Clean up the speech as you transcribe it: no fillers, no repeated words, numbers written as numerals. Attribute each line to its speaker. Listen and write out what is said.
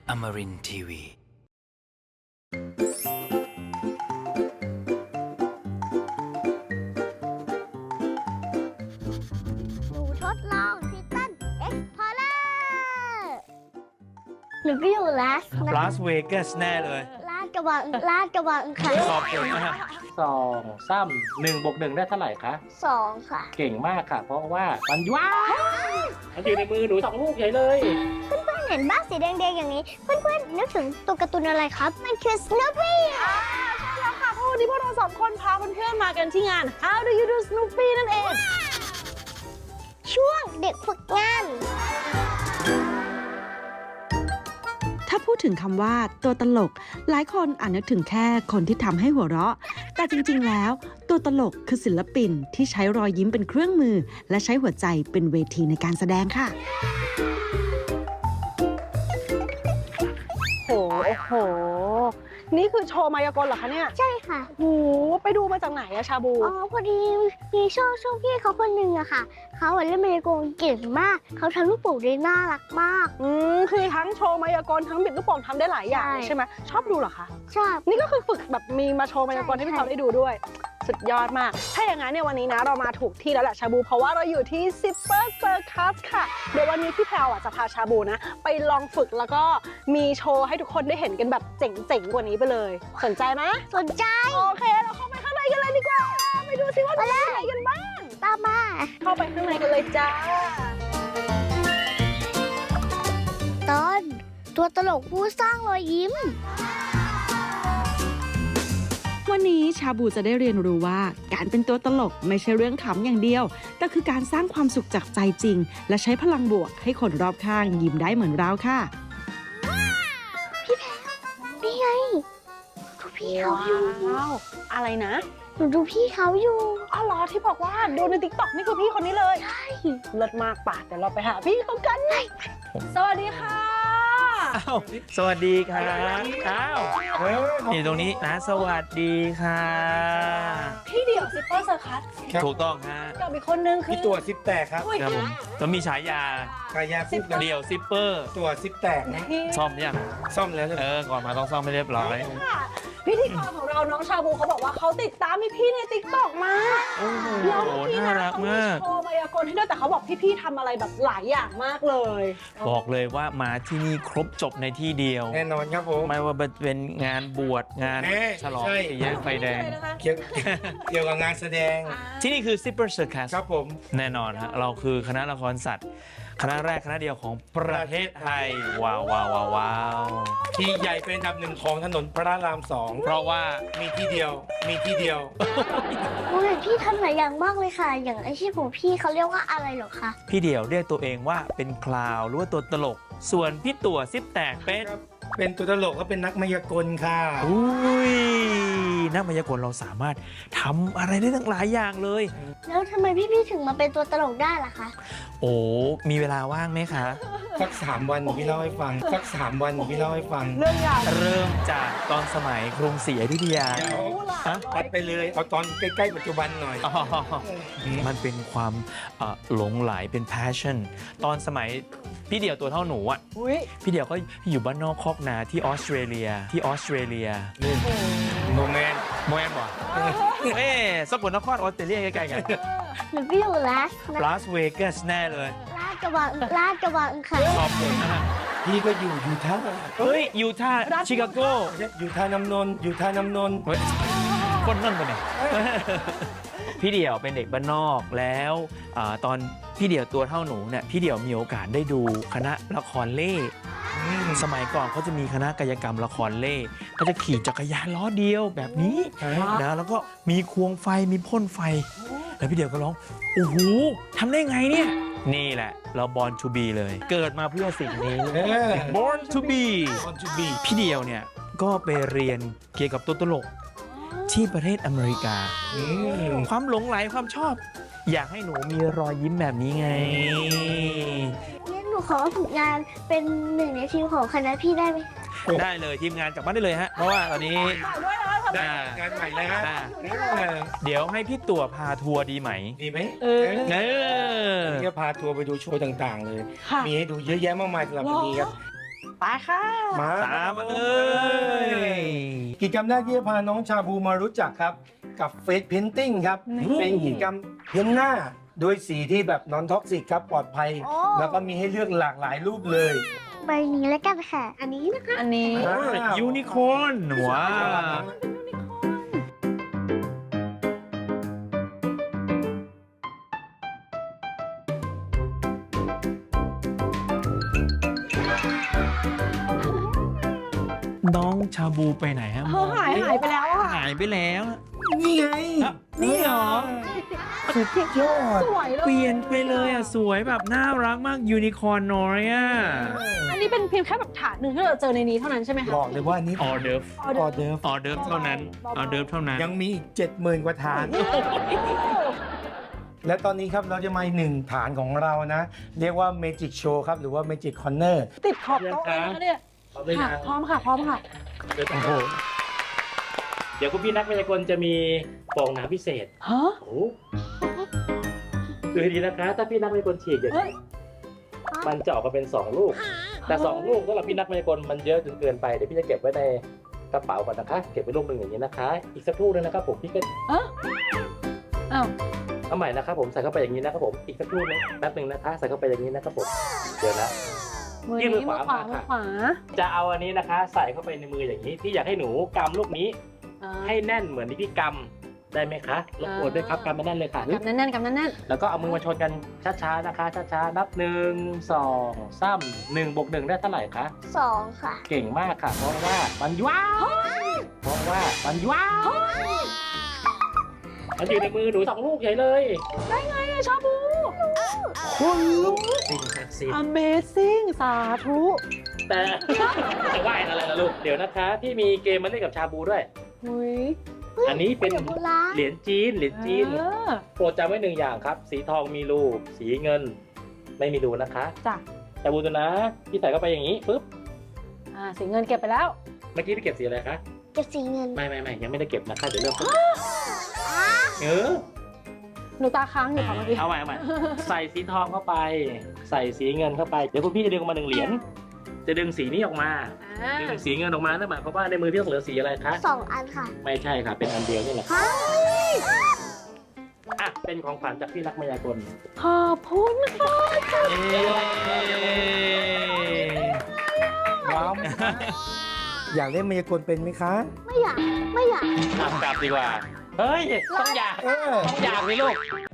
Speaker 1: Amarin Tiwi
Speaker 2: หนูทดลองทิตันเอ็กพอร์เลอร์หนูก็อยู่ลาส
Speaker 1: เวกัสแน่เลย
Speaker 2: ลาดกระบังค่ะ
Speaker 1: ขอบคุณมาก
Speaker 3: 2 3 1 บวก 1ได้เท่าไหร่คะ
Speaker 2: 2 ค่ะ
Speaker 3: เก่งมากค่ะ เพราะว่ามันว้าวมันอยู่ในมือหนู2 ลูกใหญ่เลย
Speaker 2: เพื่อนๆเห็นบ้านสีแดงๆอย่างนี้ เพื่อนๆนึกถึงตัวการ์ตูนอะไรครับ มันคือ Snoopy
Speaker 4: ใช่แล้วค่ะเพราะวันนี้พวกเรา2 คนพาเพื่อนๆมากันที่งาน How do you do Snoopy นั่นเอง
Speaker 2: ช่วงเด็กฝึกงาน
Speaker 5: ถ้าพูดถึงคำว่าตัวตลก หลายคนอาจนึกถึงแค่คนที่ทำให้หัวเราะ แต่จริงๆ แล้ว ตัวตลกคือศิลปินที่ใช้รอยยิ้มเป็นเครื่องมือ และใช้หัวใจเป็นเวทีในการแสดงค่ะ
Speaker 4: โอ้โห นี่คือโชว์มายากลเหรอคะเนี่ย
Speaker 2: ใช่ค่ะ
Speaker 4: โอ้โหไปดูมาจากไหนอะชาบู
Speaker 2: อ๋อพอดีมีช่วงพี่เขาคนหนึ่งอะค่ะ เขาเล่นมายากลเก่งมาก เขาทำลูกโป่งได้น่ารักมาก
Speaker 4: คือทั้งโชว์มายากลทั้งบิดลูกโป่งทำได้หลายอย่าง
Speaker 2: ใช่
Speaker 4: ใช่ไหมชอบดูเหรอคะ
Speaker 2: ชอบ
Speaker 4: นี่ก็คือฝึกแบบมีมาโชว์มายากล
Speaker 2: ใช่
Speaker 4: ให้พี่เขาได้ดูด้วย สุดยอดมาก ถ้าอย่างนั้นเนี่ยวันนี้นะเรามาถูกที่แล้วแหละชาบู เพราะว่าเราอยู่ที่ Zipper Circus ค่ะ เดี๋ยววันนี้พี่แพรวจะพาชาบูนะ ไปลองฝึกแล้วก็มีโชว์ให้ทุกคนได้เห็นกันแบบเจ๋งๆกว่านี้ไปเลย สนใจไหม
Speaker 2: สนใจ
Speaker 4: โอเคเราเข้าไปข้างในกันเลยดีกว่า ไปดูซิว่าจะมีอะไรกันบ้าง
Speaker 2: ตามมา
Speaker 4: เข้าไปข้างในกันเลยจ้า
Speaker 2: ตอนตัวตลกผู้สร้างรอยยิ้ม
Speaker 5: วันนี้ชาบูจะได้เรียนรู้ว่าการเป็นตัวตลกไม่ใช่เรื่องขำอย่างเดียว แต่คือการสร้างความสุขจากใจจริง และใช้พลังบวกให้คนรอบข้างยิ้มได้เหมือนเราค่ะ
Speaker 2: นี่ไงดูพี่เขาอยู่
Speaker 4: ว้าว อะไรนะ
Speaker 2: หนูดูพี่เขาอยู่
Speaker 4: อ๋อเหรอที่บอกว่าดูใน TikTok นี่คือพี่คนนี้เลย
Speaker 2: ใช่
Speaker 4: เลิศมากป่ะเดี๋ยวเราไปหาพี่เขากันสวัสดีค่ะ
Speaker 1: อ้าวสวัสดีครับอ้าวนี่ตรงนี้นะสวัสดีค่ะ
Speaker 4: พี่เดี่ยวซิปเปอร์เซอร์คัส
Speaker 1: ถูกต้องฮะ
Speaker 4: กับอีกคนนึงคือ
Speaker 3: พี่ตัวซิปแตกครับ
Speaker 1: ครับผมแล้วมีฉายา
Speaker 3: กายาพูด
Speaker 1: เดี่ยวซิปเปอร์
Speaker 3: ตัวซิปแตกนะ
Speaker 1: ซ่อมยัง
Speaker 3: ซ่อมแล้วเลย
Speaker 1: ก่อนมาต้องซ่อมให้เรียบร้อย
Speaker 4: ค่ะพิธีกรของเราน้องชาบูเขาบอกว่าเขาติดตามพี่ใน TikTok มา
Speaker 1: โอ้โห
Speaker 4: แล้วพี่
Speaker 1: น่า
Speaker 4: นะ
Speaker 1: รัก
Speaker 4: เขามี
Speaker 1: มาก
Speaker 4: โชว์มายากลให้ด้วยแต่เขาบอกพี่ทำอะไรแบบหลายอย่างมากเลย
Speaker 1: บอกเลยว่ามาที่นี่ครบจบในที่เดียว
Speaker 3: แน่นอนครับผม
Speaker 1: ไม่ว่าจะเป็นงานบวชงาน
Speaker 3: เอ๊ะ
Speaker 1: ฉลอง
Speaker 3: ใช่
Speaker 1: สี่แยกไฟแดง
Speaker 3: เกี่ยวกับงานแสดง
Speaker 1: ที่นี่คือ Zipper Circus
Speaker 3: ครับผม
Speaker 1: แน่นอนฮะเราคือคณะละครสัตว์ คณะแรกคณะเดียวของประเทศไทย ว้าวว้าวว้าวว้าว
Speaker 3: ที่ใหญ่เป็นอันดับ 1ของถนนพระราม
Speaker 1: เพราะว่า
Speaker 3: 2มีที่เดียว มีที่เดียว
Speaker 2: โอ้ยพี่ทำหลายอย่างมากเลยค่ะ อย่างอาชีพของพี่เขาเรียกว่าอะไรเหรอคะ
Speaker 1: พี่เดี่ยวเรียกตัวเองว่าเป็นคลาวหรือว่าตัวตลก ส่วนพี่ตั๋วซิปแตกเป็น
Speaker 3: เป็นตัวตลกก็เป็นนักมายากลค่ะ
Speaker 1: อุ้ยนักมายากลเราสามารถทำอะไรได้ตั้งหลายอย่างเลย
Speaker 2: แล้วทำไมพี่ถึงมาเป็นตัวตลกได้ล่ะคะ
Speaker 1: โอ้มีเวลาว่างไหมคะ
Speaker 3: สัก3 วันพี่เล่าให้ฟัง สัก3 วันพี่เล่าให้ฟัง
Speaker 4: เรื่องใหญ่
Speaker 1: เริ่มจากตอนสมัยกรุงศรีอยุธยา
Speaker 3: เดี๋ยว
Speaker 1: ฮะ
Speaker 3: ตัดไปเลย เอาตอนใกล้ๆปัจจุบันหน่อย
Speaker 1: อ๋อมันเป็นความหลงไหลเป็น passion ตอนสมัยพี่เดี่ยวตัวเท่าหนูอ่ะ
Speaker 4: อุ้ย
Speaker 1: พี่เดี่ยวก็อยู่บ้านนอกคอกนาที่ออสเตรเลีย
Speaker 3: โมเมนต์
Speaker 1: โมแอนบอกสกลนครออสเตรเลียใกล้ๆกัน
Speaker 2: หนูก็อยู่ลาส
Speaker 1: เวกัสแน่เลย
Speaker 2: ลาดกระบังค่ะ
Speaker 1: ขอบคุณนะฮะ
Speaker 3: พี่ก็อยู่ยูทาห์
Speaker 1: เฮ้ยยูทาห์ชิคาโก
Speaker 3: ยูทาห์น้ำนนท์ยูทาห์น้ำนนท์
Speaker 1: เฮ้ยคนนั่นกันเนี่ย พี่เดี่ยวเป็นเด็กบ้านนอกแล้วตอนพี่เดี่ยวตัวเท่าหนูเนี่ยพี่เดี่ยวมีโอกาสได้ดูคณะละครเล่สมัยก่อนเขาจะมีคณะกายกรรมละครเล่ก็จะขี่จักรยานล้อเดียวแบบนี้นะแล้วก็มีควงไฟมีพ่นไฟ แล้วพี่เดี่ยวก็ร้องโอ้โหทำได้ไงเนี่ยนี่แหละเรา born to be เลย เกิดมาเพื่อสิ่งนี้ born to be พี่เดี่ยวเนี่ยก็ไปเรียนเกี่ยวกับตัวตลกที่ประเทศอเมริกา ความหลงไหลความชอบ อยากให้หนูมีรอยยิ้มแบบนี้ไง
Speaker 2: งั้นหนูขอฝึกงานเป็นหนึ่งในทีมของคณะพี่ได้ไหม
Speaker 1: ได้เลยทีมงานกลับบ้านได้เลยฮะ เพราะว่าตอนนี้
Speaker 4: ฝากด้วยนะทำไม
Speaker 3: งานใหม่นะฮะ
Speaker 1: เดี๋ยวให้พี่ตั๋วพาทัวร์ดีไหม
Speaker 3: ดีไหม
Speaker 1: เออ
Speaker 3: จะพาทัวร์ไปดูโชว์ต่างๆ เลย
Speaker 4: ค่ะ
Speaker 3: มีให้ดูเยอะแยะมากมายสำหรับวันนี้ครับ
Speaker 4: ไปค่ะ
Speaker 6: มา
Speaker 1: ตามมาเลย
Speaker 6: กิจกรรมแรกที่จะพาน้องชาบูมารู้จักครับกับเฟสเพนติ้งครับ เป็นกิจกรรมเพ้นหน้าโดยสีที่แบบนอนท็อกซิกครับปลอดภัย
Speaker 2: โอ้
Speaker 6: แล้วก็มีให้เลือกหลากหลายรูปเลย
Speaker 2: ใบนี้แล้วกันค่ะ อันนี้นะคะ
Speaker 4: อันนี้
Speaker 1: ยูนิคอร์นว้าว น้องชาบูไปไหนฮะ
Speaker 4: เธอหายไปแล้วอ่ะ
Speaker 1: หายไปแล้ว
Speaker 6: นี่ไง
Speaker 1: อ่ะนี่เหรอ
Speaker 6: สุดยอด
Speaker 4: สวยเลย
Speaker 1: เปลี่ยนไปเลยอ่ะ สวยแบบน่ารักมากยูนิคอร์นน้อยอ่ะ
Speaker 4: อันนี้เป็นเพียงแค่แบบถาดหนึ่งที่เราเจอในนี้เท่านั้นใช่ไหมคะ
Speaker 6: บอกเลยว่านี่
Speaker 1: ออเดิร์ฟ
Speaker 6: ออเดิร์ฟ
Speaker 1: ออเดิร์ฟเท่านั้นออเดิร์ฟเท่านั้น
Speaker 6: ยังมีอีก 70,000 กว่าฐาน และตอนนี้ครับเราจะมาอีกหนึ่งฐานของเรานะ เรียกว่า Magic Show ครับ หรือว่า Magic Corner
Speaker 4: ติดขอบโต๊ะเลยนะเนี่ย
Speaker 3: พร้อมเลย
Speaker 4: ค่ะ
Speaker 3: นะ
Speaker 4: พร้อมค่ะ พร้อมค่ะ
Speaker 6: โอ้โห
Speaker 3: เดี๋ยวคุณพี่นักมายากลจะมีฟองน้ำพิเศษ
Speaker 4: ฮะ
Speaker 3: โอ้ดูให้ดีนะคะ ถ้าพี่นักมายากลฉีกอย่าง
Speaker 4: เฮ้ย
Speaker 3: นี้มันจะออกมาเป็น 2 ลูก แต่ 2 ลูกสำหรับพี่นักมายากลมันเยอะจนเกินไป เดี๋ยวพี่จะเก็บไว้ในกระเป๋าก่อนนะคะ เก็บไว้ลูกหนึ่งอย่างนี้นะคะ อีกสักลูกนึงนะครับผมพี่ก็
Speaker 4: อ้าว
Speaker 3: เอาใหม่นะครับผมใส่เข้าไปอย่างนี้นะครับผม อีกสักลูกนึงแป๊บหนึงนะคะ ใส่เข้าไปอย่างนี้นะครับผม เดี๋ยวนะ
Speaker 4: มือ
Speaker 3: ยื่นมื
Speaker 4: นี้
Speaker 3: อ
Speaker 4: มือ
Speaker 3: ขวา
Speaker 4: ขวา
Speaker 3: มา
Speaker 4: มือ
Speaker 3: ค่ะ
Speaker 4: ขวา
Speaker 3: จะเอาอันนี้นะคะ ใส่เข้าไปในมืออย่างนี้ พี่อยากให้หนูกำลูกนี้
Speaker 4: อ่า
Speaker 3: ให้แน่นเหมือนที่พี่กำได้ไหมคะรบกวนด้วยครับกำไม่แน่นเลยค่ะ
Speaker 4: กำแน่นๆกำแน่น
Speaker 3: แล้วก็เอามือมาชนกันช้าๆนะคะช้าๆนับ1 2 3 1 บวก 1ได้เท่าไหร่คะ
Speaker 2: 2 ค่ะ
Speaker 3: เก่งมากค่ะ เพราะว่ามันว้าวเพราะว่ามันว้าวมันอยู่ในมือหนู2 ลูกใหญ่เลย
Speaker 4: ๆได้ไงอะชาบู
Speaker 3: สิ่งศักดิ์สิทธิ์
Speaker 4: Amazing สาธุ
Speaker 3: แต่ จะไหวอะไรล่ะลูกเดี๋ยวนะคะพี่มีเกมมาเล่นกับชาบูด้วย
Speaker 4: อุ้ย
Speaker 3: อันนี้เป็น
Speaker 2: เหรียญโบราณ
Speaker 3: เหรียญจีนโปรดจำไว้1 อย่างครับ สีทองมีรูสีเงินไม่มีรูนะคะ
Speaker 4: จ้ะ
Speaker 3: ชาบูตัวนะพี่ใส่เข้าไปอย่างนี้ปุ๊บ
Speaker 4: สีเงินเก็บไปแล้ว
Speaker 3: เมื่อกี้พี่เก็บสีอะไรคะ
Speaker 2: เก็บสีเงิน
Speaker 3: ไม่ยังไม่ได้เก็บนะคะเดี๋ยวเริ่มต้นเออ
Speaker 4: หนูตาค้างอยู่ค่ะเมื่อกี้
Speaker 3: เอาใหม่ใส่สีทองเข้าไป ใส่สีเงินเข้าไปเดี๋ยวคุณพี่จะดึงออกมา1 เหรียญจะดึงสีนี้ออกมา
Speaker 4: อ่า
Speaker 3: ดึงสีเงินออกมานั่นหมายความว่าในมือพี่ต้องเหลือสีอะไรคะ
Speaker 2: 2 อันค่ะ
Speaker 3: ไม่ใช่ค่ะเป็นอันเดียวนี่แหละอ่ะเป็นของขวัญจากพี่นักมายากล
Speaker 4: ขอบคุณค่ะ
Speaker 6: ว้าว อยากเล่นมายากลเป็นไหมคะ
Speaker 2: ไม่อยาก
Speaker 3: กลับดีกว่าเฮ้ยต้องอยาก
Speaker 6: เออ
Speaker 3: ต้องอยากสิลูก